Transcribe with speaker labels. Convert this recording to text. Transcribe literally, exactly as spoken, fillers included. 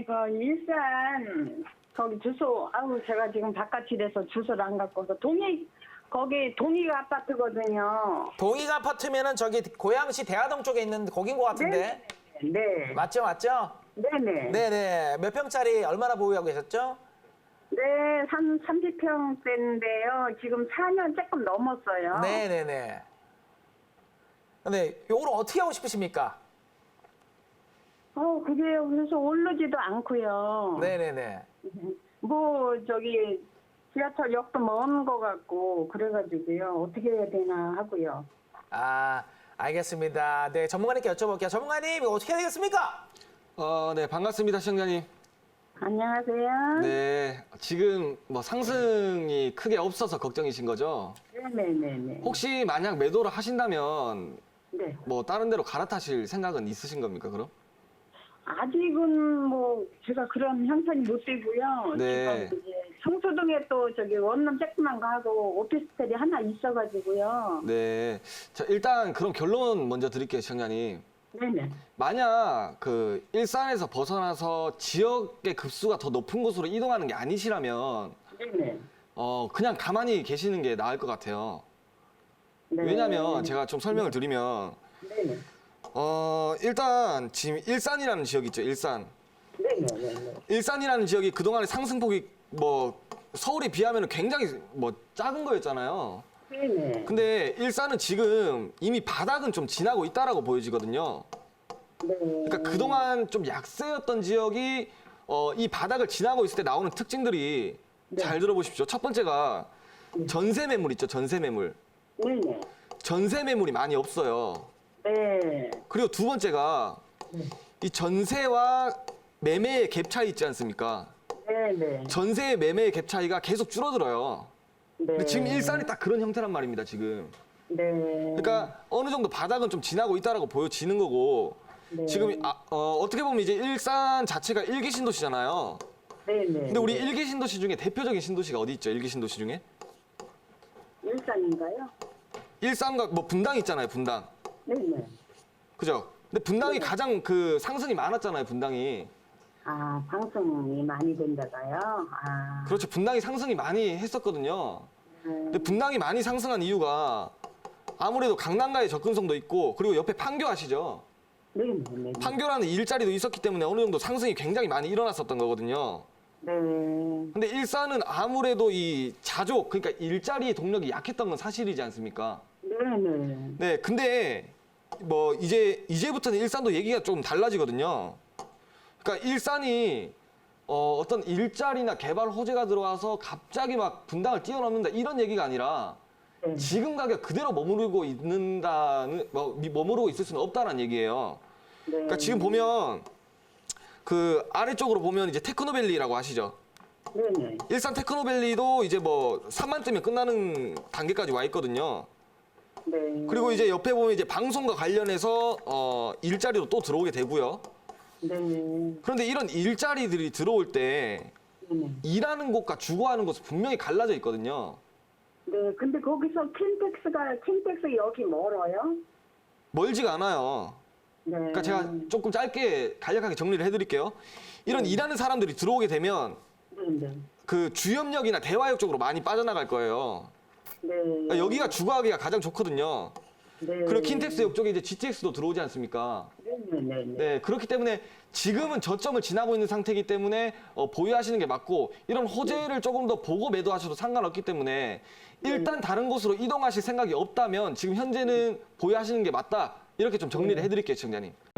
Speaker 1: 그 일산 거기 주소 아우 제가 지금 바깥이라서 주소를 안 갖고 서 동이 거기 동이가 아파트거든요.
Speaker 2: 동익 아파트면은 저기 고양시 대하동 쪽에 있는 거긴 것 같은데.
Speaker 1: 네. 네.
Speaker 2: 맞죠, 맞죠?
Speaker 1: 네네.
Speaker 2: 네네. 몇 평짜리 얼마나 보유하고 계셨죠?
Speaker 1: 네, 한 삼십 평대인데요. 지금 사 년 조금 넘었어요.
Speaker 2: 네네네. 근데 요거를 어떻게 하고 싶으십니까?
Speaker 1: 어, 그게 그래서 오르지도 않고요.
Speaker 2: 네네네.
Speaker 1: 뭐 저기 지하철역도 먼 거 같고 그래가지고요. 어떻게 해야 되나 하고요.
Speaker 2: 아, 알겠습니다. 네, 전문가님께 여쭤볼게요. 전문가님, 이거 어떻게 해야 되겠습니까?
Speaker 3: 어, 네, 반갑습니다, 시청자님.
Speaker 1: 안녕하세요.
Speaker 3: 네, 지금 뭐 상승이 크게 없어서 걱정이신 거죠?
Speaker 1: 네네네네.
Speaker 3: 혹시 만약 매도를 하신다면
Speaker 1: 네.
Speaker 3: 뭐 다른 데로 갈아타실 생각은 있으신 겁니까, 그럼?
Speaker 1: 아직은 뭐 제가 그런 형편이 못 되고요.
Speaker 3: 네.
Speaker 1: 지금 이제 성수동에 또 저기 원룸 조그만 거 하고 오피스텔이 하나 있어가지고요.
Speaker 3: 네. 자, 일단 그럼 결론 먼저 드릴게요, 시청자님.
Speaker 1: 네네.
Speaker 3: 만약 그 일산에서 벗어나서 지역의 급수가 더 높은 곳으로 이동하는 게 아니시라면
Speaker 1: 네네.
Speaker 3: 어, 그냥 가만히 계시는 게 나을 것 같아요.
Speaker 1: 네.
Speaker 3: 왜냐면 제가 좀 설명을 드리면
Speaker 1: 네네.
Speaker 3: 어, 일단 지금 일산이라는 지역 있죠, 일산.
Speaker 1: 네네네.
Speaker 3: 일산이라는 지역이 그동안의 상승폭이 뭐 서울에 비하면 굉장히 뭐 작은 거였잖아요.
Speaker 1: 네네.
Speaker 3: 근데 일산은 지금 이미 바닥은 좀 지나고 있다라고 보여지거든요.
Speaker 1: 네.
Speaker 3: 그러니까 그동안 좀 약세였던 지역이 어, 이 바닥을 지나고 있을 때 나오는 특징들이
Speaker 1: 네.
Speaker 3: 잘 들어보십시오. 첫 번째가 전세 매물 있죠, 전세 매물.
Speaker 1: 네네.
Speaker 3: 전세 매물이 많이 없어요.
Speaker 1: 네.
Speaker 3: 그리고 두 번째가 이 전세와 매매의 갭 차이 있지 않습니까?
Speaker 1: 네네.
Speaker 3: 전세의 매매의 갭 차이가 계속 줄어들어요.
Speaker 1: 네.
Speaker 3: 근데 지금 일산이 딱 그런 형태란 말입니다, 지금.
Speaker 1: 네.
Speaker 3: 그러니까 어느 정도 바닥은 좀 지나고 있다라고 보여지는 거고,
Speaker 1: 네.
Speaker 3: 지금 아, 어, 어떻게 보면 이제 일산 자체가 일기 신도시잖아요.
Speaker 1: 네네.
Speaker 3: 근데 우리 일기 신도시 중에 대표적인 신도시가 어디 있죠? 일기 신도시 중에?
Speaker 1: 일산인가요?
Speaker 3: 일산과 뭐 분당 있잖아요, 분당.
Speaker 1: 네네.
Speaker 3: 그죠? 근데 분당이 가장 그 상승이 많았잖아요, 분당이.
Speaker 1: 아, 방송이 많이 된다가요? 아.
Speaker 3: 그렇죠. 분당이 상승이 많이 했었거든요.
Speaker 1: 네.
Speaker 3: 근데 분당이 많이 상승한 이유가 아무래도 강남가의 접근성도 있고, 그리고 옆에 판교 아시죠?
Speaker 1: 네네네.
Speaker 3: 판교라는 일자리도 있었기 때문에 어느 정도 상승이 굉장히 많이 일어났었던 거거든요.
Speaker 1: 네.
Speaker 3: 근데 일산은 아무래도 이 자족, 그러니까 일자리의 동력이 약했던 건 사실이지 않습니까?
Speaker 1: 네네.
Speaker 3: 네, 근데 뭐 이제 이제부터는 일산도 얘기가 좀 달라지거든요. 그러니까 일산이 어, 어떤 일자리나 개발 호재가 들어와서 갑자기 막 분당을 뛰어넘는다 이런 얘기가 아니라
Speaker 1: 네.
Speaker 3: 지금 가격 그대로 머무르고 있는다는 뭐, 머무르고 있을 수는 없다는 얘기예요.
Speaker 1: 네.
Speaker 3: 그러니까 지금 보면 그 아래쪽으로 보면 이제 테크노밸리라고 아시죠?
Speaker 1: 네네.
Speaker 3: 일산 테크노밸리도 이제 뭐 삼만 뜨면 끝나는 단계까지 와 있거든요.
Speaker 1: 네.
Speaker 3: 그리고 이제 옆에 보면 이제 방송과 관련해서 어, 일자리도 또 들어오게 되고요.
Speaker 1: 네.
Speaker 3: 그런데 이런 일자리들이 들어올 때
Speaker 1: 네네.
Speaker 3: 일하는 곳과 주거하는 곳은 분명히 갈라져 있거든요.
Speaker 1: 네. 근데 거기서 킨텍스가, 킨텍스 여기 멀어요?
Speaker 3: 멀지가 않아요.
Speaker 1: 네.
Speaker 3: 그러니까 제가 조금 짧게 간략하게 정리를 해드릴게요. 이런 일하는 사람들이 들어오게 되면
Speaker 1: 네네.
Speaker 3: 그 주염역이나 대화역 쪽으로 많이 빠져나갈 거예요.
Speaker 1: 네.
Speaker 3: 그러니까 여기가 주거하기가 가장 좋거든요.
Speaker 1: 네.
Speaker 3: 그리고 킨텍스역 쪽에 이제 지티엑스도 들어오지 않습니까?
Speaker 1: 네네네.
Speaker 3: 네, 그렇기 때문에 지금은 저점을 지나고 있는 상태이기 때문에 어, 보유하시는 게 맞고 이런 호재를 조금 더 보고 매도하셔도 상관없기 때문에 일단 다른 곳으로 이동하실 생각이 없다면 지금 현재는 보유하시는 게 맞다. 이렇게 좀 정리를 해드릴게요, 시청자님.